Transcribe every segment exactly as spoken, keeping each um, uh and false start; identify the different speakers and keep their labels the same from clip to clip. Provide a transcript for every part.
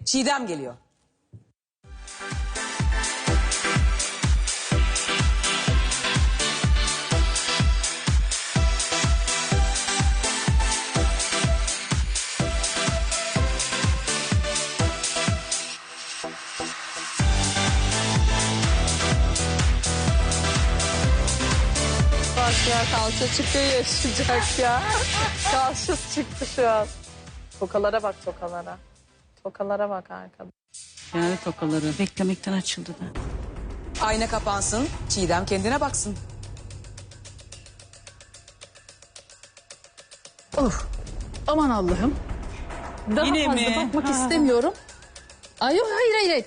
Speaker 1: Çiğdem geliyor.
Speaker 2: Bak ya kalça çıkıyor yaşayacak ya. Kalçası çıktı şu an. Tokalara bak tokalara. Tokalara bak arkada.
Speaker 3: Yani tokaları beklemekten açıldı da.
Speaker 1: Ayna kapansın. Çiğdem kendine baksın.
Speaker 4: Of. Aman Allah'ım. Daha
Speaker 3: Yine
Speaker 4: fazla
Speaker 3: mi?
Speaker 4: bakmak
Speaker 3: Ha.
Speaker 4: istemiyorum. Ay yok hayır hayır. hayır.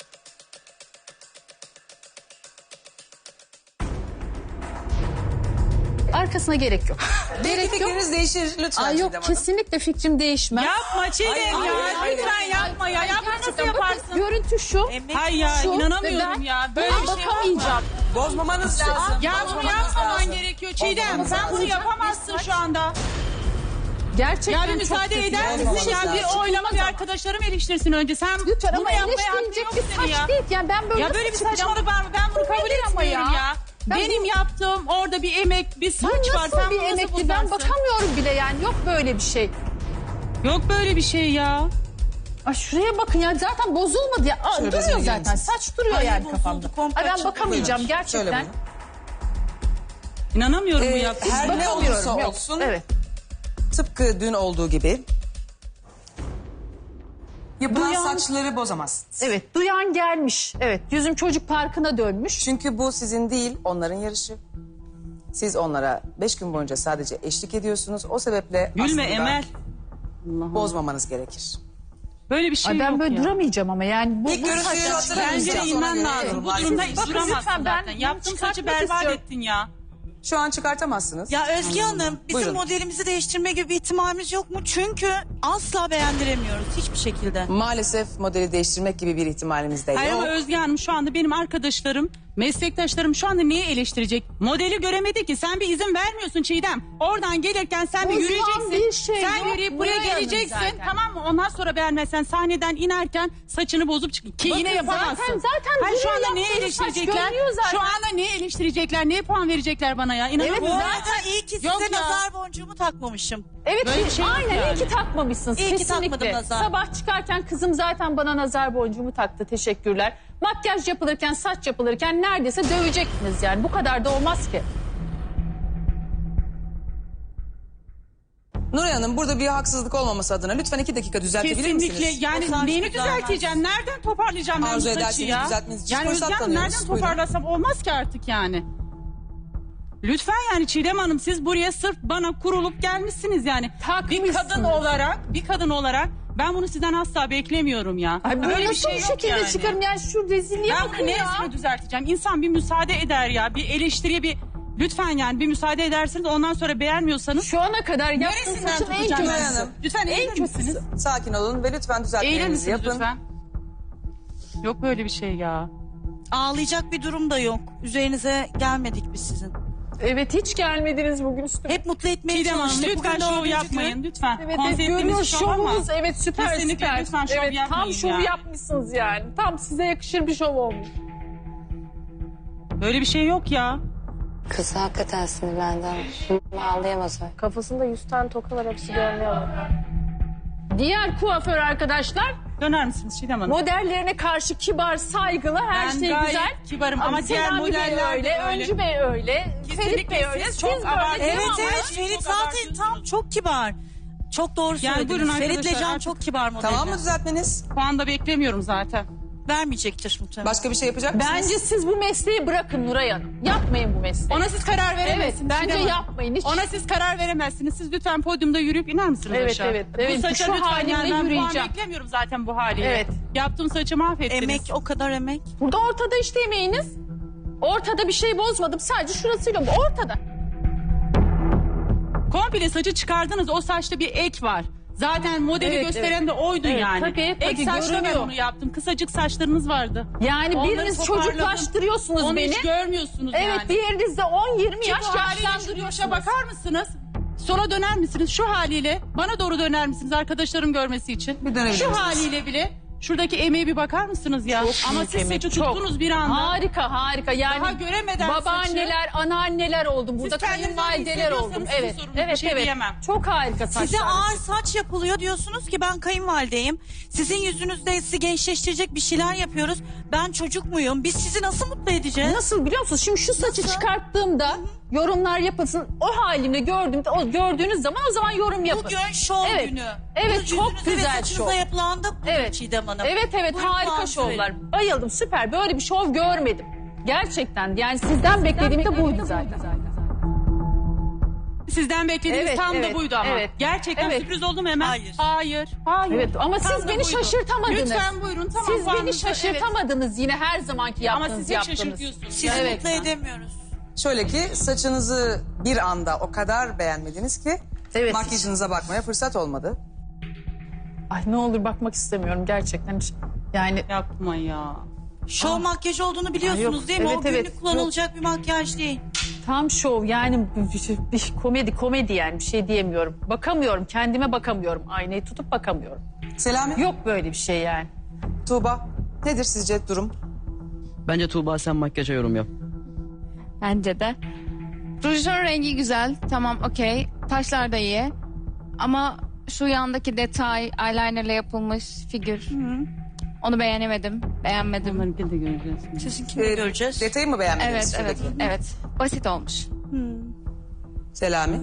Speaker 4: Arkasına gerek yok.
Speaker 1: Belki
Speaker 4: Gerek yok.
Speaker 1: fikriniz değişir lütfen
Speaker 4: Ay yok
Speaker 1: Çiğdem Hanım.
Speaker 4: kesinlikle fikrim değişmez.
Speaker 3: Yapma Çiğdem
Speaker 1: Hayır,
Speaker 3: ya.
Speaker 1: hayır, hayır.
Speaker 3: Lütfen yapma ya. Yapma nasıl
Speaker 4: Gerçekten bakın,
Speaker 3: yaparsın?
Speaker 4: görüntü şu.
Speaker 3: Hayır ya
Speaker 4: Şu ve
Speaker 3: inanamıyorum
Speaker 4: ben
Speaker 3: ya. Böyle
Speaker 4: buna
Speaker 3: bir şey
Speaker 4: bakamayacağım.
Speaker 1: Bozmamanız lazım.
Speaker 3: Ya bunu
Speaker 1: Bozmamanız
Speaker 3: yapmaman
Speaker 1: lazım.
Speaker 3: gerekiyor Çiğdem. Sen bunu yapamazsın şu anda.
Speaker 4: Gerçekten
Speaker 3: Ya bir
Speaker 4: çok
Speaker 3: müsaade
Speaker 4: kötü.
Speaker 3: eder
Speaker 1: Olmaması
Speaker 3: misin ya?
Speaker 1: lazım.
Speaker 3: Bir oylama bir arkadaşlarım eleştirsin önce. Sen
Speaker 4: Lütfen
Speaker 3: bunu
Speaker 4: ama
Speaker 3: yapmaya hakkın
Speaker 4: eleştirilecek
Speaker 3: yok
Speaker 4: bir
Speaker 3: senin
Speaker 4: saç
Speaker 3: ya.
Speaker 4: değil. Yani ben böyle
Speaker 3: Ya böyle bir
Speaker 4: nasıl çıkacağım?
Speaker 3: saçmalık var mı? Ben bunu
Speaker 4: Bu
Speaker 3: kabul
Speaker 4: nedir ama
Speaker 3: etmiyorum ya.
Speaker 4: ya? Ben
Speaker 3: Benim
Speaker 4: bu-
Speaker 3: yaptığım orada bir emek, bir
Speaker 4: Bu
Speaker 3: saç var.
Speaker 4: nasıl
Speaker 3: Sen
Speaker 4: bir
Speaker 3: bunu nasıl
Speaker 4: emekli? Ben
Speaker 3: bozarsın?
Speaker 4: bakamıyorum bile yani. Yok böyle bir şey.
Speaker 3: Yok böyle bir şey ya.
Speaker 4: Ay şuraya bakın ya zaten bozulmadı ya. Aa,
Speaker 1: Şöyle
Speaker 4: duruyor
Speaker 1: bezine
Speaker 4: zaten.
Speaker 1: gelin.
Speaker 4: Saç duruyor
Speaker 5: Ay,
Speaker 4: yani
Speaker 5: bozuldu,
Speaker 4: kafamda.
Speaker 5: komple
Speaker 4: Ay ben
Speaker 5: açıldı.
Speaker 4: bakamayacağım
Speaker 1: Buyurun.
Speaker 4: gerçekten.
Speaker 1: Şöyle buyurun.
Speaker 3: İnanamıyorum bu
Speaker 1: Ee,
Speaker 3: yaptığın.
Speaker 1: her ne
Speaker 4: Bakamıyorum,
Speaker 1: olursa
Speaker 4: yok.
Speaker 1: olsun
Speaker 4: Evet.
Speaker 1: tıpkı dün olduğu gibi yapılan
Speaker 4: Duyan-
Speaker 1: saçları bozamaz.
Speaker 4: Evet duyan gelmiş. Evet yüzüm çocuk parkına dönmüş.
Speaker 1: Çünkü bu sizin değil onların yarışı. Siz onlara beş gün boyunca sadece eşlik ediyorsunuz. O sebeple
Speaker 3: Gülme
Speaker 1: aslında
Speaker 3: Emel. Allah Allah.
Speaker 1: bozmamanız gerekir.
Speaker 3: Böyle bir şey
Speaker 4: Ay ben
Speaker 3: yok
Speaker 4: böyle
Speaker 3: ya.
Speaker 4: duramayacağım ama yani. Bu,
Speaker 1: İlk
Speaker 4: bu
Speaker 1: görüntüyü
Speaker 4: saçlar-
Speaker 1: hatırlar
Speaker 3: Bence de
Speaker 1: Ona
Speaker 3: inmen
Speaker 1: göre
Speaker 3: lazım. Bu
Speaker 1: yorumlar
Speaker 3: durumda
Speaker 1: yapacağız.
Speaker 3: hiç
Speaker 4: Bakın
Speaker 3: duramazsın
Speaker 4: lütfen, ben
Speaker 3: zaten.
Speaker 4: bunu
Speaker 3: Yaptığın saçı
Speaker 4: çıkartmak
Speaker 3: berbat
Speaker 4: istiyorum.
Speaker 3: ettin ya.
Speaker 1: Şu an çıkartamazsınız.
Speaker 5: Ya Özge Hanım bizim
Speaker 1: Buyurun.
Speaker 5: modelimizi değiştirme gibi bir ihtimalimiz yok mu? Çünkü asla beğendiremiyoruz hiçbir şekilde.
Speaker 1: Maalesef modeli değiştirmek gibi bir ihtimalimiz de
Speaker 3: Hayır
Speaker 1: yok.
Speaker 3: ama Özge Hanım şu anda benim arkadaşlarım, meslektaşlarım şu anda neyi eleştirecek? Modeli göremedi ki. Sen bir izin vermiyorsun Çiğdem. Oradan gelirken sen bir
Speaker 4: Bozulan
Speaker 3: yürüyeceksin.
Speaker 4: bir şey
Speaker 3: sen
Speaker 4: yok.
Speaker 3: yürüyüp buraya
Speaker 4: Buraya
Speaker 3: geleceksin.
Speaker 4: zaten.
Speaker 3: Tamam mı? Ondan sonra beğenmezsen sahneden inerken saçını bozup çık. Ki
Speaker 4: Bakın
Speaker 3: yine yapamazsın.
Speaker 4: zaten- zaten
Speaker 3: Hayır, şu
Speaker 4: duruyor,
Speaker 3: anda neyi
Speaker 4: yaptığınız saç
Speaker 3: eleştirecekler?
Speaker 4: görünüyor zaten.
Speaker 3: Şu anda neyi eleştirecekler? Neye puan verecekler bana ya? İnanamıyorum.
Speaker 5: Bu
Speaker 4: Evet,
Speaker 5: arada iyi ki size
Speaker 3: Yok ya.
Speaker 5: nazar boncuğumu takmamışım.
Speaker 4: Evet
Speaker 3: Böyle bir şey yok
Speaker 4: aynen
Speaker 3: yani.
Speaker 4: iyi ki takmamışsınız
Speaker 5: İyi ki
Speaker 4: kesinlikle.
Speaker 5: takmadım nazar.
Speaker 4: Sabah çıkarken kızım zaten bana nazar boncuğumu taktı teşekkürler. Makyaj yapılırken saç yapılırken neredeyse dövecektiniz yani bu kadar da olmaz ki.
Speaker 1: Nuray Hanım burada bir haksızlık olmaması adına lütfen iki dakika düzeltebilir
Speaker 3: Kesinlikle
Speaker 1: misiniz?
Speaker 3: yani
Speaker 5: O saç
Speaker 3: neyini
Speaker 5: düzelmez.
Speaker 3: düzelteceğim? Nereden toparlayacağım ben
Speaker 1: Arzu
Speaker 3: bu saçı
Speaker 1: ederseniz
Speaker 3: ya?
Speaker 1: düzeltmeniz için
Speaker 3: Yani
Speaker 1: fırsat
Speaker 3: Özge Hanım
Speaker 1: tanıyoruz.
Speaker 3: nereden
Speaker 1: Buyurun.
Speaker 3: toparlasam olmaz ki artık yani. Lütfen yani Çiğdem Hanım siz buraya sırf bana kurulup gelmişsiniz yani. Bir
Speaker 4: Takmışsınız.
Speaker 3: kadın olarak, bir kadın olarak ben bunu sizden asla beklemiyorum ya.
Speaker 4: Ay bu
Speaker 3: Öyle
Speaker 4: nasıl bir
Speaker 3: yok
Speaker 4: şekilde
Speaker 3: yani.
Speaker 4: çıkarım yani şu rezilliğe
Speaker 3: Ben
Speaker 4: bakın
Speaker 3: bunu
Speaker 4: ya.
Speaker 3: neresini düzelteceğim? İnsan bir müsaade eder ya. Bir eleştiriye bir lütfen yani bir müsaade edersiniz ondan sonra beğenmiyorsanız.
Speaker 4: Şu ana kadar yaptığım
Speaker 3: Neresinden
Speaker 4: saçın en
Speaker 3: tutacağım
Speaker 1: Nuray
Speaker 3: ben
Speaker 4: kötüsü.
Speaker 1: Hanım.
Speaker 3: Lütfen
Speaker 4: En
Speaker 3: eğilir
Speaker 4: kötüsü.
Speaker 3: misiniz?
Speaker 1: Sakin olun ve lütfen
Speaker 3: Eğilir
Speaker 1: düzeltmelerinizi
Speaker 3: misiniz
Speaker 1: yapın.
Speaker 3: lütfen? Yok böyle bir şey ya.
Speaker 5: Ağlayacak bir durum da yok. Üzerinize gelmedik biz sizin.
Speaker 4: Evet hiç gelmediniz bugün üstüme.
Speaker 5: Hep mutlu etmeye
Speaker 3: Çiğdem Hanım
Speaker 5: çalıştık.
Speaker 3: lütfen
Speaker 5: Bugün
Speaker 3: şov
Speaker 5: dördüncü
Speaker 3: yapmayın
Speaker 5: gün.
Speaker 3: lütfen.
Speaker 4: Evet, evet
Speaker 3: Konseptimiz
Speaker 4: görüyoruz
Speaker 3: şov ama
Speaker 4: şovunuz evet süper
Speaker 3: kesinlikle
Speaker 4: süper.
Speaker 3: lütfen şov
Speaker 4: evet,
Speaker 3: yapmayın
Speaker 4: tam şov
Speaker 3: ya.
Speaker 4: yapmışsınız yani. Tam size yakışır bir şov olmuş.
Speaker 3: böyle bir şey yok ya.
Speaker 6: Kız hakikaten sinirlendi. Ağlayamaz öyle.
Speaker 2: Kafasında yüz tane toka var hepsi görünüyor.
Speaker 4: Diğer kuaför arkadaşlar
Speaker 3: Döner misiniz Çiğdem Hanım?
Speaker 4: modellerine karşı kibar, saygılı, her
Speaker 3: Ben
Speaker 4: şey
Speaker 3: gayet
Speaker 4: güzel.
Speaker 3: kibarım ama diğer
Speaker 4: Selami Bey
Speaker 3: modeller de
Speaker 4: öyle,
Speaker 3: öyle.
Speaker 4: Öncü Bey öyle,
Speaker 3: Kesinlikle
Speaker 4: Ferit Bey öyle.
Speaker 3: siz
Speaker 4: Siz
Speaker 3: çok
Speaker 4: böyle
Speaker 3: abartıyorsunuz.
Speaker 4: değil
Speaker 5: Evet
Speaker 4: mi?
Speaker 5: evet
Speaker 3: Çok
Speaker 5: Ferit zaten
Speaker 3: abartıyorsunuz.
Speaker 5: tam çok kibar. Çok doğru
Speaker 3: Yani
Speaker 5: söylediniz.
Speaker 3: buyurun
Speaker 5: Ferit'le
Speaker 3: arkadaşlar,
Speaker 5: Can
Speaker 3: artık-
Speaker 5: çok kibar modeller.
Speaker 1: Tamam mı düzeltmeniz?
Speaker 3: Puan da beklemiyorum zaten.
Speaker 5: Vermeyecektir muhtemelen.
Speaker 1: Başka bir şey yapacak mısınız?
Speaker 4: Bence siz bu mesleği bırakın Nuray Hanım. Yapmayın bu mesleği.
Speaker 3: Ona siz karar veremezsiniz.
Speaker 4: Evet, bence
Speaker 3: Çiğdem Hanım.
Speaker 4: yapmayın, hiç.
Speaker 3: Ona siz karar veremezsiniz. Siz lütfen podyumda yürüyüp iner misiniz
Speaker 4: Evet,
Speaker 3: aşağı?
Speaker 4: evet, evet.
Speaker 3: Bu saça
Speaker 4: Şu
Speaker 3: lütfen
Speaker 4: halimle
Speaker 3: yani ben
Speaker 4: yürüyeceğim.
Speaker 3: puan beklemiyorum zaten bu haliyle.
Speaker 4: Evet.
Speaker 3: Yaptığım saçı mahvettiniz.
Speaker 5: Emek o kadar emek.
Speaker 4: Burada ortada işte yemeğiniz. Ortada bir şey bozmadım. Sadece şurasıyla bu. Ortada.
Speaker 3: Komple saçı çıkardınız. O saçta bir ek var. Zaten modeli
Speaker 4: Evet,
Speaker 3: gösteren
Speaker 4: evet.
Speaker 3: de oydu
Speaker 4: Evet,
Speaker 3: yani.
Speaker 4: tabii, tabii,
Speaker 3: Ek saçla ben
Speaker 4: görünüyor.
Speaker 3: onu yaptım. Kısacık saçlarınız vardı.
Speaker 4: Yani
Speaker 3: Onları
Speaker 4: biriniz
Speaker 3: toparladım.
Speaker 4: çocuklaştırıyorsunuz
Speaker 3: Onu
Speaker 4: beni.
Speaker 3: hiç görmüyorsunuz
Speaker 4: Evet
Speaker 3: yani.
Speaker 4: diğerinizde on yirmi yaş
Speaker 3: Şu haliyle şu
Speaker 4: yaşlandırıyorsunuz.
Speaker 3: başa bakar mısınız? Sola döner misiniz? Şu haliyle bana doğru döner misiniz arkadaşların görmesi için?
Speaker 1: Bir dönebilir
Speaker 3: Şu
Speaker 1: misiniz?
Speaker 3: haliyle bile Şuradaki emeğe bir bakar mısınız ya? Ama
Speaker 4: büyük
Speaker 3: siz
Speaker 4: emek,
Speaker 3: saçı
Speaker 4: çok.
Speaker 3: tuttunuz bir anda.
Speaker 4: Harika harika yani
Speaker 3: Daha göremeden
Speaker 4: babaanneler, anneanneler oldum. Burada
Speaker 3: kendinizi
Speaker 4: kayınvalideler
Speaker 3: öyle
Speaker 4: oldum.
Speaker 3: hissediyorsanız
Speaker 4: Evet,
Speaker 3: sizin sorunuz,
Speaker 4: evet,
Speaker 3: bir şey
Speaker 4: evet.
Speaker 3: diyemem.
Speaker 4: Çok harika saçlar.
Speaker 5: Size ağır saç yapılıyor diyorsunuz ki ben kayınvalideyim. Sizin yüzünüzde sizi gençleştirecek bir şeyler yapıyoruz. Ben çocuk muyum? Biz sizi nasıl mutlu edeceğiz?
Speaker 4: Nasıl biliyor musunuz? Şimdi şu saçı çıkarttığımda yorumlar yapılsın. O halimle gördüğümde, o gördüğünüz zaman o zaman yorum yapın.
Speaker 5: Bugün şov
Speaker 4: Evet.
Speaker 5: günü.
Speaker 4: Evet,
Speaker 5: Bu
Speaker 4: çok
Speaker 5: yüzünüze ve
Speaker 4: güzel
Speaker 5: saçınıza
Speaker 4: şov.
Speaker 5: yapılan da budur
Speaker 4: Evet.
Speaker 5: Çiğdem Hanım.
Speaker 4: Evet evet
Speaker 5: Buyurun,
Speaker 4: harika
Speaker 5: puan
Speaker 4: şovlar.
Speaker 5: söyleyin.
Speaker 4: Bayıldım, süper. Böyle bir şov görmedim. Gerçekten yani sizden beklediğim de buydu zaten.
Speaker 3: Sizden beklediğiniz
Speaker 4: Evet,
Speaker 3: tam
Speaker 4: evet,
Speaker 3: da buydu ama.
Speaker 4: evet.
Speaker 3: Gerçekten
Speaker 4: Evet.
Speaker 3: sürpriz oldu mu hemen?
Speaker 5: Hayır.
Speaker 3: Hayır. Hayır.
Speaker 4: Evet ama
Speaker 3: Tam
Speaker 4: siz
Speaker 3: da
Speaker 4: beni
Speaker 3: buydu.
Speaker 4: şaşırtamadınız.
Speaker 3: Lütfen buyurun. Tamam,
Speaker 4: Siz beni
Speaker 3: puanınızı-
Speaker 4: şaşırtamadınız yine her zamanki
Speaker 3: Ama
Speaker 4: yaptığınız
Speaker 3: siz hep
Speaker 4: yaptınız.
Speaker 3: şaşırtıyorsunuz.
Speaker 5: Sizi
Speaker 3: Evet.
Speaker 5: mutlu edemiyoruz.
Speaker 1: Şöyle ki saçınızı bir anda o kadar beğenmediniz ki
Speaker 4: Evet.
Speaker 1: makyajınıza bakmaya fırsat olmadı.
Speaker 4: Ay ne olur bakmak istemiyorum gerçekten. Yani
Speaker 3: Yapma ya.
Speaker 5: Şov makyaj olduğunu biliyorsunuz
Speaker 4: yok.
Speaker 5: değil mi?
Speaker 4: Evet,
Speaker 5: o günlük
Speaker 4: evet.
Speaker 5: kullanılacak bir makyaj değil.
Speaker 4: tam şov yani bir, bir komedi komedi yani bir şey diyemiyorum. Bakamıyorum kendime bakamıyorum. Aynayı tutup bakamıyorum.
Speaker 1: Selami,
Speaker 4: Yok böyle bir şey yani.
Speaker 1: Tuğba nedir sizce durum?
Speaker 7: Bence Tuğba sen makyaja yorum yap.
Speaker 8: Bence de. Rujun rengi güzel. Tamam okey. Taşlar da iyi. Ama şu yandaki detay, eyelinerle yapılmış figür. Onu beğenemedim. Beğenmedim.
Speaker 3: Bunları de göreceğiz.
Speaker 5: Sizinkini
Speaker 1: Ee,
Speaker 5: göreceğiz.
Speaker 1: Detayı mı beğenmediniz
Speaker 8: Evet, evet,
Speaker 1: şuradaki?
Speaker 8: evet. Basit olmuş.
Speaker 1: Selami.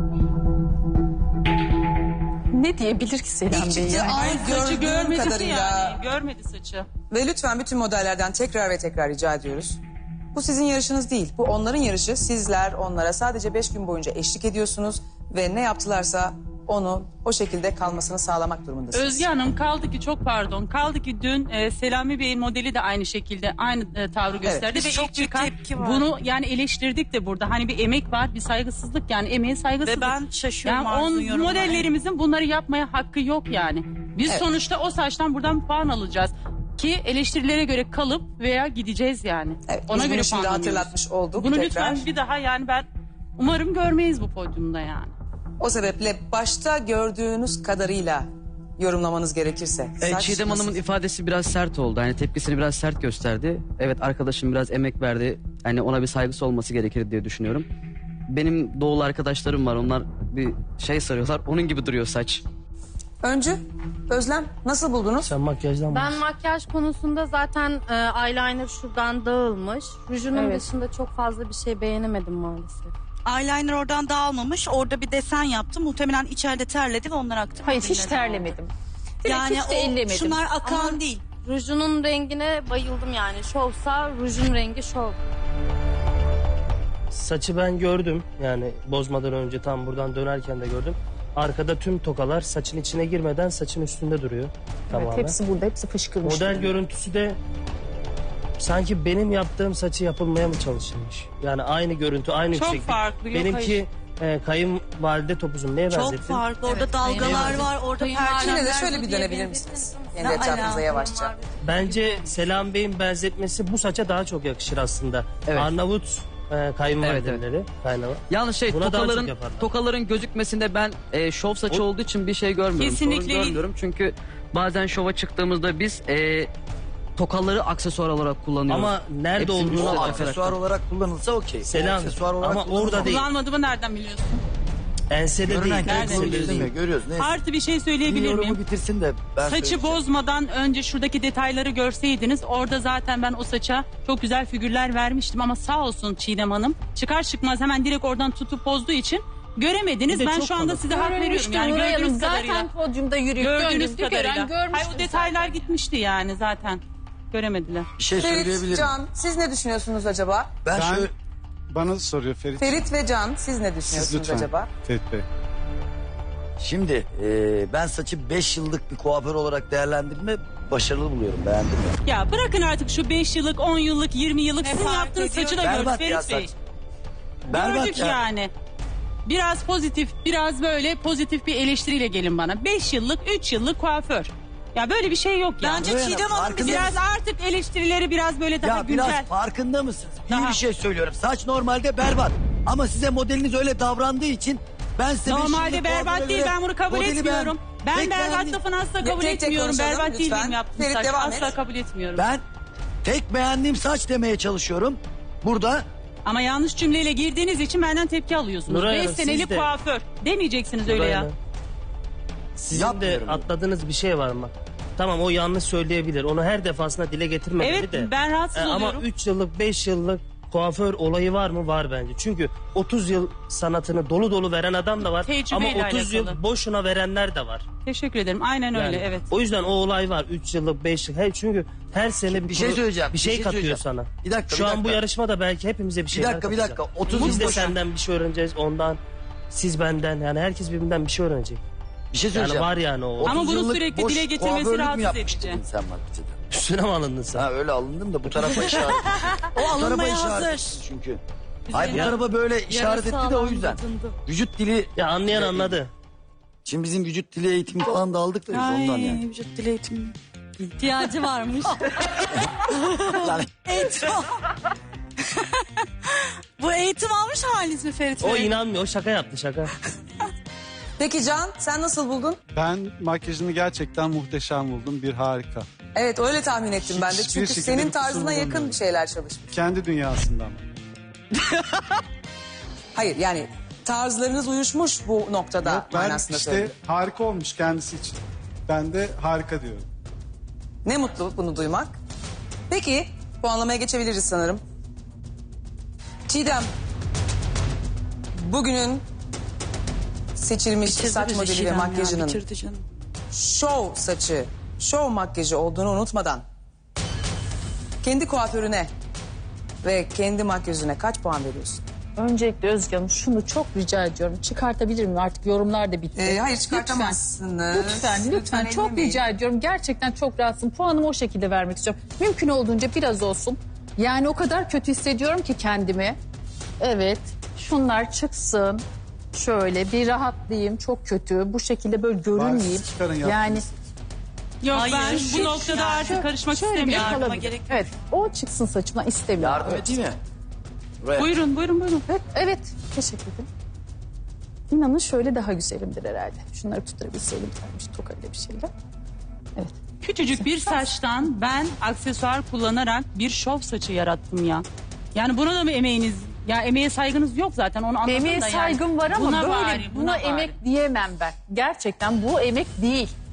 Speaker 4: Ne diyebilir ki Selam
Speaker 1: İlk
Speaker 4: Bey
Speaker 1: çıktığı
Speaker 4: yani?
Speaker 1: an
Speaker 3: Saçı
Speaker 1: gördüğüm
Speaker 3: görmedi
Speaker 1: kadarıyla
Speaker 3: yani. Görmedi saçı.
Speaker 1: ve lütfen bütün modellerden tekrar ve tekrar rica ediyoruz. Bu sizin yarışınız değil. Bu onların yarışı. Sizler onlara sadece beş gün boyunca eşlik ediyorsunuz ve ne yaptılarsa onu o şekilde kalmasını sağlamak durumundasınız.
Speaker 3: Özge Hanım kaldı ki çok pardon. Kaldı ki dün e, Selami Bey'in modeli de aynı şekilde aynı e, tavrı gösterdi.
Speaker 5: biz
Speaker 3: Ve
Speaker 5: çok
Speaker 3: ilk
Speaker 5: büyük
Speaker 3: çıkan
Speaker 5: tepki var.
Speaker 3: bunu yani eleştirdik de burada. Hani bir emek var, bir saygısızlık yani emeğe saygısızlık.
Speaker 5: Ve ben şaşıyorum
Speaker 3: Yani
Speaker 5: Arzu'nun
Speaker 3: on,
Speaker 5: yorumuna.
Speaker 3: modellerimizin bunları yapmaya hakkı yok yani. Biz
Speaker 1: Evet.
Speaker 3: sonuçta o saçtan buradan puan alacağız. Ki eleştirilere göre kalıp veya gideceğiz yani.
Speaker 1: Evet,
Speaker 3: Ona
Speaker 1: biz
Speaker 3: göre
Speaker 1: bunu şimdi
Speaker 3: puanlanıyoruz.
Speaker 1: hatırlatmış olduk
Speaker 3: Bunu
Speaker 1: tekrar.
Speaker 3: lütfen bir daha yani ben umarım görmeyiz bu podyumda yani.
Speaker 1: O sebeple başta gördüğünüz kadarıyla yorumlamanız gerekirse.
Speaker 7: E,
Speaker 1: saç
Speaker 7: Çiğdem
Speaker 1: nasıl?
Speaker 7: Hanım'ın ifadesi biraz sert oldu. Hani tepkisini biraz sert gösterdi. Evet arkadaşım biraz emek verdi. Hani ona bir saygısı olması gerekir diye düşünüyorum. Benim doğulu arkadaşlarım var. Onlar bir şey sarıyorlar. Onun gibi duruyor saç.
Speaker 1: Öncü, Özlem nasıl buldunuz?
Speaker 9: Sen makyajdan
Speaker 10: Ben makyaj konusunda zaten e, eyeliner şuradan dağılmış. Rujunun
Speaker 4: Evet.
Speaker 10: dışında çok fazla bir şey beğenemedim maalesef.
Speaker 5: Eyeliner oradan dağılmamış. Orada bir desen yaptı. Muhtemelen içeride terledi ve onlar aktı.
Speaker 4: Hayır hiç
Speaker 5: birbirine.
Speaker 4: terlemedim. Direkt
Speaker 5: Yani
Speaker 4: hiç de
Speaker 5: o,
Speaker 4: ellemedim.
Speaker 5: şunlar akan
Speaker 10: Ama-
Speaker 5: değil.
Speaker 10: Rujunun rengine bayıldım yani. Şovsa rujun rengi şov.
Speaker 9: saçı ben gördüm. Yani bozmadan önce tam buradan dönerken de gördüm. Arkada tüm tokalar saçın içine girmeden saçın üstünde duruyor. Tamamen.
Speaker 4: Evet, hepsi burada hepsi fışkırmış.
Speaker 9: Model görüntüsü de sanki benim yaptığım saçı yapılmaya mı çalışılmış? Yani aynı görüntü, aynı
Speaker 3: Çok
Speaker 9: yükseklik.
Speaker 3: farklı, yok,
Speaker 9: Benimki e, kayınvalide topuzum. Neye
Speaker 5: Çok
Speaker 9: benzettin?
Speaker 5: farklı. Orada dalgalar var. Orada
Speaker 1: Yine de
Speaker 5: perçemler.
Speaker 1: şöyle bir dönebilir misiniz? Kendi
Speaker 5: Ne
Speaker 1: etrafınıza
Speaker 5: alaka?
Speaker 1: yavaşça.
Speaker 9: Bence Selam Bey'in benzetmesi bu saça daha çok yakışır aslında.
Speaker 7: Evet.
Speaker 9: Arnavut e, kayınvalideleri. Kaynağı.
Speaker 7: Yalnız şey
Speaker 9: Buna daha
Speaker 7: tokaların
Speaker 9: çok yaparlar.
Speaker 7: tokaların gözükmesinde ben e, şov saçı
Speaker 9: O-
Speaker 7: olduğu için bir şey görmüyorum.
Speaker 3: Kesinlikle
Speaker 7: Sorun görmüyorum. Çünkü bazen şova çıktığımızda biz e, tokaları aksesuar olarak kullanıyoruz.
Speaker 9: Ama nerede
Speaker 7: Hepsinin
Speaker 9: olduğunu
Speaker 7: üstüne
Speaker 9: da-
Speaker 7: aksesuar
Speaker 11: olarak kullanılsa okey.
Speaker 9: Selam.
Speaker 11: Aksesuar olarak
Speaker 9: Ama orada değil.
Speaker 3: Kullanmadığımı nereden biliyorsun?
Speaker 9: Ensede değil.
Speaker 11: Görünen
Speaker 3: Nereden
Speaker 11: köy
Speaker 3: biliyorsun?
Speaker 11: değil mi? Görüyoruz. Neyse.
Speaker 3: Artı bir şey
Speaker 11: Bir
Speaker 3: söyleyebilir
Speaker 11: yorumu
Speaker 3: miyim?
Speaker 11: bitirsin de ben
Speaker 3: Saçı
Speaker 11: söyleyeceğim.
Speaker 3: bozmadan önce şuradaki detayları görseydiniz orada zaten ben o saça çok güzel figürler vermiştim ama sağ olsun Çiğdem Hanım çıkar çıkmaz hemen direkt oradan tutup bozduğu için göremediniz.
Speaker 9: Bir de
Speaker 3: Ben
Speaker 9: çok
Speaker 3: şu anda
Speaker 9: kalın.
Speaker 3: size hak veriyorum.
Speaker 4: Görünmüştü
Speaker 3: Yani
Speaker 4: Nuray Hanım
Speaker 3: gördüğünüz kadarıyla.
Speaker 4: zaten podyumda yürüyüp
Speaker 3: Gördüğünüz
Speaker 4: döndüğünü gören
Speaker 3: kadarıyla.
Speaker 4: görmüştür.
Speaker 3: Hayır o detaylar gitmişti yani zaten. Göremediler.
Speaker 11: Bir şey
Speaker 1: Ferit,
Speaker 11: söyleyebilirim.
Speaker 1: Can siz ne düşünüyorsunuz acaba?
Speaker 11: Ben,
Speaker 12: Ben-
Speaker 11: şöyle
Speaker 12: Bana soruyor Ferit.
Speaker 1: Ferit ve Can siz ne
Speaker 12: Siz
Speaker 1: düşünüyorsunuz
Speaker 12: lütfen.
Speaker 1: acaba?
Speaker 12: Ferit Bey.
Speaker 11: şimdi e, ben saçı beş yıllık bir kuaför olarak değerlendirme başarılı buluyorum. Beğendim ya.
Speaker 3: Ya bırakın artık şu beş yıllık, on yıllık, yirmi yıllık
Speaker 5: Ne
Speaker 3: sizin
Speaker 5: fark
Speaker 3: yaptığınız
Speaker 5: ediyor?
Speaker 3: saçı da gördük
Speaker 11: Berbat ya
Speaker 3: Ferit Bey.
Speaker 11: saç. Berbat
Speaker 3: Gördük
Speaker 11: ya.
Speaker 3: yani. Biraz pozitif, biraz böyle pozitif bir eleştiriyle gelin bana. Beş yıllık, üç yıllık kuaför. Ya böyle bir şey yok ya.
Speaker 5: Bence
Speaker 11: Nuray Hanım,
Speaker 5: Çiğdem Hanım
Speaker 11: farkında
Speaker 5: bize
Speaker 3: Biraz artık eleştirileri biraz böyle daha
Speaker 11: Ya
Speaker 3: güncel.
Speaker 11: biraz farkında mısınız? İyi
Speaker 3: Daha.
Speaker 11: bir şey söylüyorum. Saç normalde berbat. Ama size modeliniz öyle davrandığı için ben size beş
Speaker 3: Normalde
Speaker 11: yıllık
Speaker 3: berbat
Speaker 11: kuaföre
Speaker 3: değil,
Speaker 11: göre
Speaker 3: ben bunu kabul
Speaker 11: modeli
Speaker 3: etmiyorum. Ben
Speaker 11: Tek
Speaker 3: berbat
Speaker 11: beğendiğim-
Speaker 3: lafını asla
Speaker 1: Ya,
Speaker 3: kabul
Speaker 1: tek tek
Speaker 3: etmiyorum.
Speaker 1: konuşalım,
Speaker 3: Berbat
Speaker 1: lütfen.
Speaker 3: değilim yaptığım
Speaker 1: Ferit,
Speaker 3: saç.
Speaker 1: devam
Speaker 3: Asla
Speaker 1: et.
Speaker 3: kabul etmiyorum.
Speaker 11: Ben tek beğendiğim saç demeye çalışıyorum. Burada
Speaker 3: Ama yanlış cümleyle girdiğiniz için benden tepki alıyorsunuz.
Speaker 9: Nuray
Speaker 3: Beş
Speaker 9: Hanım, siz
Speaker 3: senelik
Speaker 9: de-
Speaker 3: kuaför. Demeyeceksiniz öyle ya.
Speaker 9: Nuray Hanım, Sizin de
Speaker 11: Yapmıyorum.
Speaker 9: atladığınız bir şey var mı? Tamam, o yanlış söyleyebilir. Onu her defasında dile getirmemeli
Speaker 3: Evet,
Speaker 9: de.
Speaker 3: ben rahatsız
Speaker 9: E, Ama
Speaker 3: oluyorum.
Speaker 9: üç yıllık beş yıllık kuaför olayı var mı? Var bence. Çünkü otuz yıl sanatını dolu dolu veren adam da var. Ama
Speaker 3: Tecrübeyle
Speaker 9: otuz
Speaker 3: alakalı.
Speaker 9: yıl boşuna verenler de var.
Speaker 3: Teşekkür ederim. Aynen öyle,
Speaker 9: Yani
Speaker 3: evet.
Speaker 9: O yüzden o olay var. üç yıllık beş yıllık. Her, çünkü her sene bir,
Speaker 11: Bir şey
Speaker 9: pro-
Speaker 11: söyleyeceğim,
Speaker 9: Bir
Speaker 11: bir
Speaker 9: şey,
Speaker 11: şey
Speaker 9: katıyor
Speaker 11: söyleyeceğim.
Speaker 9: sana.
Speaker 11: Bir dakika,
Speaker 9: Şu
Speaker 11: bir
Speaker 9: an bu
Speaker 11: dakika.
Speaker 9: yarışmada belki hepimize bir
Speaker 11: bir
Speaker 9: şeyler
Speaker 11: dakika bir
Speaker 9: katacak.
Speaker 11: dakika. otuz
Speaker 9: Biz
Speaker 11: yıl
Speaker 9: de
Speaker 11: boşuna-
Speaker 9: senden bir şey öğreneceğiz. Ondan, siz benden. Yani herkes birbirinden bir şey öğrenecek.
Speaker 11: Bir şey
Speaker 9: Yani
Speaker 11: söyleyeceğim.
Speaker 9: var yani o.
Speaker 3: Ama
Speaker 11: otuz
Speaker 3: bunu
Speaker 11: yıllık
Speaker 3: sürekli
Speaker 11: boş
Speaker 3: dile getirmesi
Speaker 11: kuaförlük mü
Speaker 3: rahatsız
Speaker 11: yapmıştın
Speaker 3: edici.
Speaker 11: Sen markete.
Speaker 9: Üstüne mi alındın sen?
Speaker 11: Ha öyle alındım da bu tarafa işaret.
Speaker 5: O
Speaker 11: bu tarafa
Speaker 5: alınmaya
Speaker 11: işaret
Speaker 5: hazır.
Speaker 11: etti çünkü. Hayır bu
Speaker 9: Ya-
Speaker 11: tarafa böyle işaret etti de o yüzden. Vücut dili.
Speaker 9: Ya anlayan anladı.
Speaker 11: Şimdi bizim vücut dili eğitimi falan da aldık da biz ondan
Speaker 5: Ay,
Speaker 11: yani.
Speaker 5: vücut dili eğitimi.
Speaker 10: İhtiyacı varmış.
Speaker 11: Lan,
Speaker 5: Eğitim. Bu eğitim almış haliniz mi Ferit
Speaker 9: O
Speaker 5: Bey?
Speaker 9: inanmıyor. O şaka yaptı, şaka.
Speaker 1: Peki Can, sen nasıl buldun?
Speaker 12: Ben makyajını gerçekten muhteşem buldum. Bir harika.
Speaker 1: Evet, öyle tahmin ettim ben de.
Speaker 12: Hiçbir
Speaker 1: Çünkü
Speaker 12: şekilde
Speaker 1: senin
Speaker 12: bir kusur
Speaker 1: tarzına yakın
Speaker 12: bulunmuyor.
Speaker 1: bir şeyler çalışmış.
Speaker 12: Kendi dünyasından.
Speaker 1: Hayır, yani tarzlarınız uyuşmuş bu noktada
Speaker 12: Yok, ben
Speaker 1: manasında
Speaker 12: işte
Speaker 1: söyledim.
Speaker 12: harika olmuş kendisi için. Ben de harika diyorum.
Speaker 1: Ne mutlu bunu duymak. Peki, puanlamaya geçebiliriz sanırım. Çiğdem, bugünün seçilmiş saç
Speaker 5: bizi
Speaker 1: modeli ve
Speaker 5: Çiğdem ya,
Speaker 1: makyajının
Speaker 5: bitirdi canım.
Speaker 1: şov saçı, şov makyajı olduğunu unutmadan kendi kuaförüne ve kendi makyajına kaç puan veriyorsun?
Speaker 4: Öncelikle Özge Hanım şunu çok rica ediyorum. Çıkartabilir miyim? Artık yorumlar da bitti.
Speaker 1: Ee, hayır, çıkartamazsınız.
Speaker 4: Lütfen, lütfen, lütfen. Çok
Speaker 1: ellemeyin.
Speaker 4: rica ediyorum. Gerçekten çok rahatsın. Puanımı o şekilde vermek istiyorum. Mümkün olduğunca biraz olsun. Yani o kadar kötü hissediyorum ki kendimi. Evet, şunlar çıksın. Şöyle bir rahatlayayım. Çok kötü. Bu şekilde böyle görünmeyeyim.
Speaker 12: Siz çıkarın
Speaker 4: Yani
Speaker 12: yaptığınız.
Speaker 3: Yok
Speaker 5: Hayır,
Speaker 3: ben
Speaker 5: şu-
Speaker 3: bu noktada
Speaker 5: yani-
Speaker 3: artık karışmak
Speaker 4: şöyle bir
Speaker 3: istemiyorum.
Speaker 4: kalabilir.
Speaker 5: gerek yok.
Speaker 4: Evet, o çıksın saçımdan istemiyorum.
Speaker 11: yardım edeyim mi? Buraya.
Speaker 3: Buyurun, buyurun, buyurun.
Speaker 4: Evet, evet. Teşekkür ederim. İnanın şöyle daha güzelimdir herhalde. Şunları tutturabilseydim bir tokayla bir şeyle. Evet.
Speaker 3: Küçücük bir saçtan ben aksesuar kullanarak bir şov saçı yarattım ya. Yani buna da mı emeğiniz? Ya emeğe saygınız yok zaten, onu anladım
Speaker 4: Emeğe
Speaker 3: da yani.
Speaker 4: saygım var ama
Speaker 3: Buna
Speaker 4: böyle
Speaker 3: bari,
Speaker 4: buna,
Speaker 3: buna bari.
Speaker 4: emek diyemem ben. Gerçekten bu emek değil.